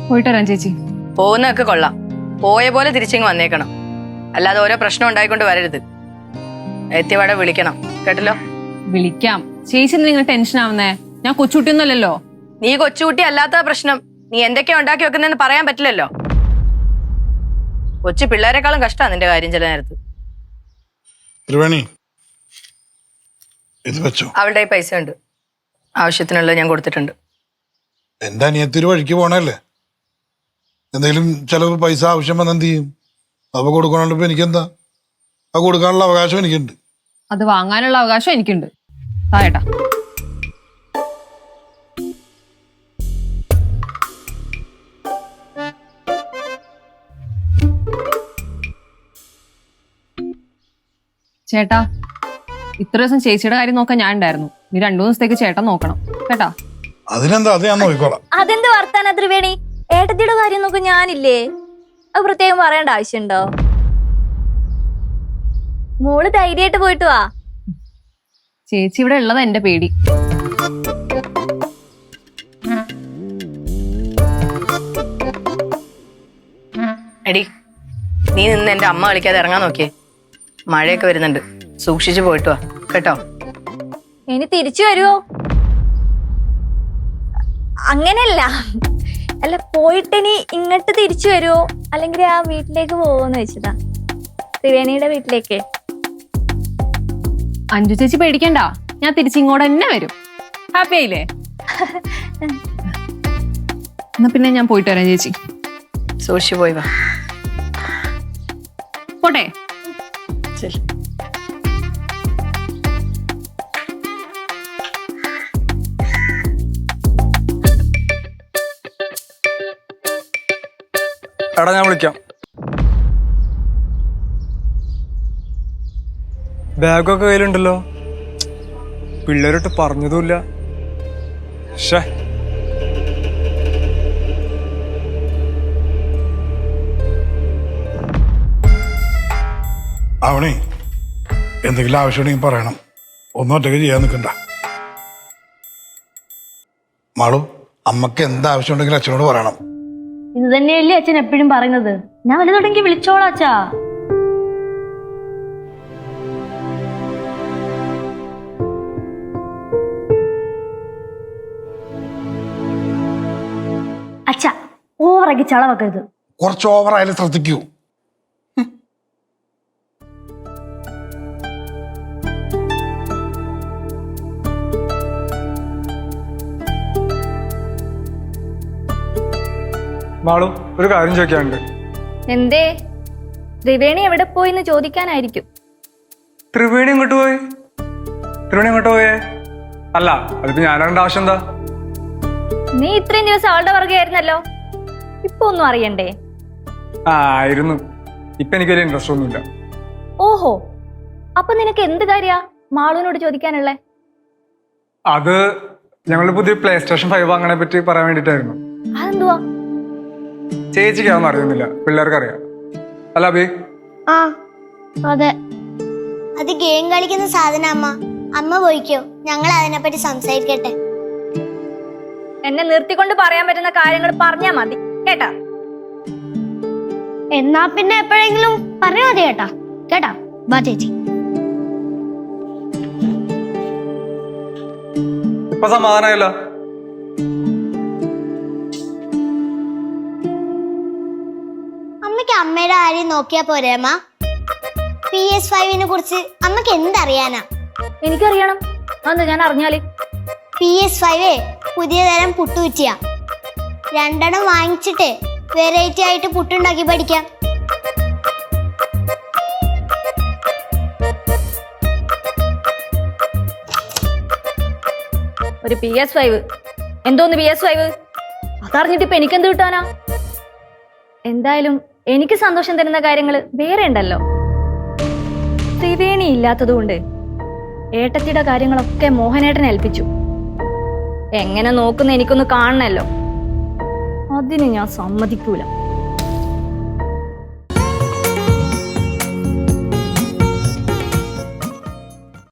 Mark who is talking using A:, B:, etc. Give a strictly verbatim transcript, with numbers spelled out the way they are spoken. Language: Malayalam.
A: പോയിട്ട് വരാം ചേച്ചി.
B: പോകുന്നതൊക്കെ കൊള്ളാം, പോയ പോലെ തിരിച്ചിങ്ങ് വന്നേക്കണം. അല്ലാതെ ഓരോ പ്രശ്നം ഉണ്ടായിക്കൊണ്ട് വരരുത്. എത്തിയപാടെ വിളിക്കണം, കേട്ടല്ലോ?
A: വിളിക്കാം. ചേച്ചി നിങ്ങൾ ടെൻഷൻ ആവുന്നേ? ഞാൻ കൊച്ചുകുട്ടിയൊന്നുമല്ലല്ലോ.
B: നീ കൊച്ചുകുട്ടി അല്ലാത്ത പ്രശ്നം. നീ എന്തൊക്കെയാ ഉണ്ടാക്കി വെക്കുന്നതെന്ന് പറയാൻ പറ്റില്ലല്ലോ. കൊച്ചു പിള്ളേരെക്കാളും കഷ്ടമാണ് നിന്റെ കാര്യം ചില നേരത്ത്. അവളുടെ പൈസ ഉണ്ട്, ആവശ്യത്തിനുള്ളത് ഞാൻ കൊടുത്തിട്ടുണ്ട്.
C: എന്റെ അനിയത്തിരു വഴിക്ക് പോണല്ലേ, എന്തെങ്കിലും ചിലവ് പൈസ ആവശ്യം വന്നെന്ത് ചെയ്യും? അപ്പൊ കൊടുക്കണല്ലോ. എനിക്കെന്താ, അത് കൊടുക്കാനുള്ള അവകാശം എനിക്കുണ്ട്.
A: അത് വാങ്ങാനുള്ള അവകാശം എനിക്കുണ്ട്. തായേട്ടാ. ചേട്ടാ, ഇത്ര ദിവസം ചേച്ചിയുടെ കാര്യം നോക്കാൻ ഞാൻ ഉണ്ടായിരുന്നു. നീ രണ്ടു ദിവസത്തേക്ക് ചേട്ടൻ നോക്കണം കേട്ടാ.
C: അതിനെന്താ, അത് ഞാൻ നോക്കിക്കോളാം.
D: അതെന്ത് വർത്താന ത്രിവേണി? ഏട്ടത്തിയുടെ കാര്യം നോക്കാൻ ഞാനില്ലേ? അത് പ്രത്യേകം പറയേണ്ട ആവശ്യമുണ്ടോ? മോള് ധൈര്യമായിട്ട് പോയിട്ട് വാ.
A: ചേച്ചി ഇവിടെ ഉള്ളത് എന്റെ പേടി.
B: എടി, നീ നിന്ന് എന്റെ അമ്മ കളിക്കാതെ ഇറങ്ങാൻ നോക്കിയേ. മഴയൊക്കെ വരുന്നുണ്ട്, സൂക്ഷിച്ചു പോയിട്ട് വാ കേട്ടോ.
D: ഇനി തിരിച്ചു വരുവോ? അങ്ങനെയല്ല, അല്ല പോയിട്ടിനി ഇങ്ങോട്ട് തിരിച്ചു വരുവോ അല്ലെങ്കിൽ ആ വീട്ടിലേക്ക് പോവോന്ന് വെച്ചതാ, ത്രിവേണിയുടെ വീട്ടിലേക്ക്.
A: അഞ്ജു ചേച്ചി പേടിക്കണ്ട, ഞാൻ തിരിച്ചിങ്ങോട്ട് തന്നെ വരും. ഹാപ്പി ആയില്ലേ? എന്നാ പിന്നെ ഞാൻ പോയിട്ട് വരാം ചേച്ചി.
B: സൂക്ഷിച്ചു പോയി വാ.
A: പോട്ടെ.
B: ശരി.
E: എടാ, ഞാൻ വിളിക്കാം. ബാഗൊക്കെ കയ്യിലുണ്ടല്ലോ. പിള്ളേരോട്ട് പറഞ്ഞതുമില്ല. ഷേ,
C: അവണേ എന്തെങ്കിലും ആവശ്യമുണ്ടെങ്കിൽ പറയണം. ഒന്നും ഒറ്റയ്ക്ക് ചെയ്യാൻ നിൽക്കണ്ട. മാളു, അമ്മക്ക് എന്താവശ്യം ഉണ്ടെങ്കിലും അച്ഛനോട് പറയണം.
D: ഇത് തന്നെയല്ലേ അച്ഛൻ എപ്പോഴും പറയുന്നത്. ഞാൻ വലുതുണ്ടെങ്കിൽ വിളിച്ചോളാം അച്ഛാ. അച്ഛാ, ഓവറാക്കി ചളവക്കരുത്.
C: കുറച്ച് ഓവറായാലും ശ്രദ്ധിക്കൂ.
E: മാളു, ഒരു കാര്യം ചോദിക്കാനുണ്ട്.
D: എന്തേ? ത്രിവേണി എവിടെ പോയിന്ന് ചോദിക്കാനായിരിക്കും.
E: ത്രിവേണി ഇങ്ങോട്ട് പോയി? ത്രിവേണി ഇങ്ങോട്ട് പോയേ? അല്ല, അതിപ്പോ ഞാനറിയേണ്ട ആവശ്യം എന്താ?
D: നീ ഇത്രയും ദിവസം അവളുടെ പുറകെ ആയിരുന്നല്ലോ, ഇപ്പൊ ഒന്നും അറിയണ്ടേ?
E: ആ, ആയിരുന്നു. ഇപ്പൊ എനിക്ക് വലിയ ഇൻട്രസ്റ്റ് ഒന്നുമില്ല.
D: ഓഹോ, അപ്പൊ നിനക്ക് എന്ത് കാര്യാ മാളുവിനോട് ചോദിക്കാനുള്ളേ?
E: അത് ഞങ്ങളുടെ പുതിയ പ്ലേ സ്റ്റേഷൻ ഫൈവ് അങ്ങനെ പറ്റി പറയാൻ വേണ്ടിട്ടായിരുന്നു.
D: അതെന്തുവാ?
E: ചേച്ചിക്കാവൊന്നും അറിയുന്നില്ല, പിള്ളേർക്ക് അറിയാം. അല്ല അബി?
F: ആ അതെ, അത് ഗെയിം കളിക്കുന്ന സാധനം. അമ്മ അമ്മ പോയിക്കോ, ഞങ്ങൾ അതിനെപ്പറ്റി സംസാരിക്കട്ടെ.
D: എന്നെ നിർത്തിക്കൊണ്ട് പറയാൻ പറ്റുന്ന കാര്യങ്ങൾ പറഞ്ഞാ മതി കേട്ടാ.
F: എന്നാ പിന്നെ എപ്പോഴെങ്കിലും പറഞ്ഞാ മതി കേട്ടാ. കേട്ടാ, വാ ചേച്ചി.
E: ഇപ്പൊ സമാധാനമായല്ലോ.
F: അമ്മയ്ക്ക് അമ്മയുടെ കാര്യം നോക്കിയാ പോരെ അമ്മ? പി എസ് ഫൈവിനെ കുറിച്ച് അമ്മക്ക് എന്തറിയാനാ?
D: എനിക്കറിയണം. അതെന്താ ഞാൻ അറിഞ്ഞാല്?
F: പി എസ് ഫൈവ് പുതിയ തരം പുട്ടുകുറ്റിയാ. രണ്ടെണ്ണം വാങ്ങിച്ചിട്ട് വെറൈറ്റി ആയിട്ട് പുട്ടുണ്ടാക്കി പഠിക്കാം.
D: ഒരു പി എസ് ഫൈവ്? എന്തോന്ന് പി എസ് ഫൈവ്? അതറിഞ്ഞിട്ട് ഇപ്പൊ എനിക്കെന്ത് കിട്ടാനാ? എന്തായാലും എനിക്ക് സന്തോഷം തരുന്ന കാര്യങ്ങൾ വേറെ ഉണ്ടല്ലോ. ത്രിവേണി ഇല്ലാത്തതുകൊണ്ട് ഏട്ടത്തിയുടെ കാര്യങ്ങളൊക്കെ മോഹനേട്ടനെ ഏൽപ്പിച്ചു. എങ്ങനെ നോക്കുന്ന എനിക്കൊന്ന് കാണണല്ലോ, അതിന് ഞാൻ സമ്മതിക്കൂല.